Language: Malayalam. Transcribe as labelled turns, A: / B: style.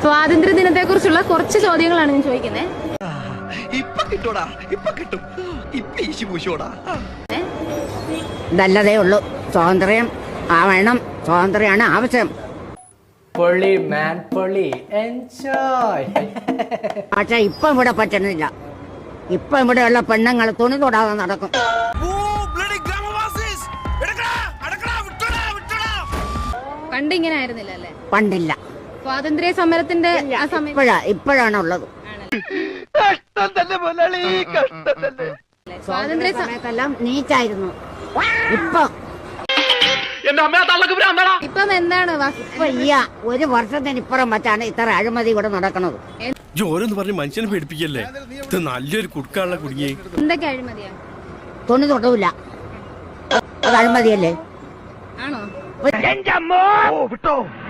A: സ്വാതന്ത്ര്യ ദിനത്തെ കുറിച്ചുള്ള കുറച്ച് ചോദ്യങ്ങളാണ് ഞാൻ ചോദിക്കുന്നത്.
B: നല്ലതേ ഉള്ളൂ. സ്വാതന്ത്ര്യം വേണം, സ്വാതന്ത്ര്യമാണ് ആവശ്യം.
C: പൊളി മാൻ പൊളി, എൻജോയ്.
B: പക്ഷെ ഇപ്പൊ ഇവിടെ പറ്റുന്നില്ല. ഇപ്പൊ ഇവിടെയുള്ള പെണ്ണുങ്ങൾ തുണി തൊടാതെ നടക്കും.
A: പണ്ട് ഇങ്ങനെ ആയിരുന്നില്ല അല്ലേ?
B: പണ്ടില്ല.
A: സ്വാതന്ത്ര്യ സമരത്തിന്റെ
B: ഇപ്പോഴാണ് ഉള്ളത്.
A: സ്വാതന്ത്ര്യ
B: സമയത്തെല്ലാം നീറ്റായിരുന്നു.
A: ഇപ്പം എന്താണ്
B: ഒരു വർഷത്തിനിപ്പുറം വെച്ചാണ് ഇത്ര അഴിമതി ഇവിടെ നടക്കുന്നത്.
D: ജോലെന്ന് പറഞ്ഞ് മനുഷ്യനെ പേടിപ്പിക്കല്ലേ. ഇത് നല്ലൊരു കുടുക്കാനുള്ള കുടുങ്ങി.
A: എന്തൊക്കെ അഴിമതിയാ?
B: തുണി തൊടൂല, അത് അഴിമതിയല്ലേ?
A: ആണോ?
D: വിട്ടോ